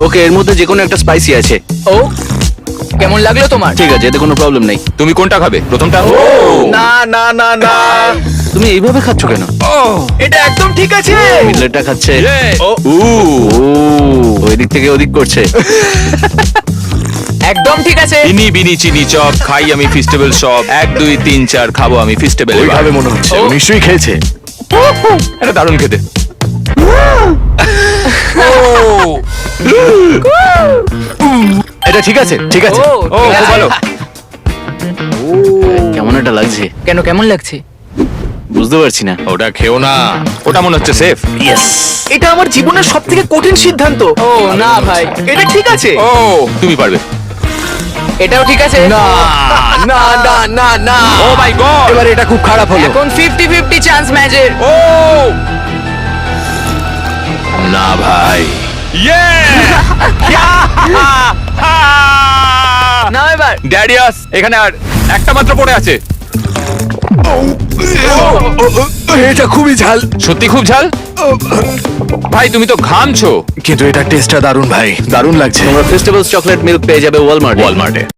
ওকে, এর মধ্যে যে কোনো একটা স্পাইসি আছে। ও কেমন লাগলো তোমার? ঠিক আছে, এতে কোনো প্রবলেম নেই। তুমি কোনটা খাবে? প্রথমটা? না না না না, তুমি এইভাবে খাচ্ছ কেন? এটা একদম ঠিক আছে। মিডলেটটা খাচ্ছে। ও ও, ওই দিক থেকে ওদিক করছে। একদম ঠিক আছে। ইনি বিনি চিনি চপ খাই আমি ফিস্টেবল সব 1 2 3 4 খাবো আমি ফিস্টেবল। ওইভাবে মনে হচ্ছে ও নিশ্চয়ই খেয়েছে। এটা দারুণ খেতে। এটা ঠিক আছে, ঠিক আছে। ও ও ঠিক খুব আছে। ভালো। কেমন একটা লাগছে, কেন কেমন লাগছে? বুঝতে পারছি না। ওটা খেও না, ওটা মনে হচ্ছে সেফ। এটা আমার জীবনের সবথেকে কঠিন সিদ্ধান্ত। ও না ভাই, এটা ঠিক আছে। ও তুমি পারবে। এটাও ঠিক আছে। না না না না না, ও মাই গড। এবার এটা খুব খারাপ হলো। এখন 50-50 চান্স ম্যাচের। ও না ভাই। ইয়ে নাও এবার। ড্যাডিয়াস এখানে আর একটা মাত্র পড়ে আছে। এটা খুবই ঝাল, সত্যি খুব ঝাল। ভাই তুমি তো ঘামছো। কিন্তু এটা টেস্টটা দারুণ ভাই, দারুণ লাগছে। তোমরা ফেস্টিভ্যালস চকলেট মিল্ক পেয়ে যাবে ওয়ালমার্টে।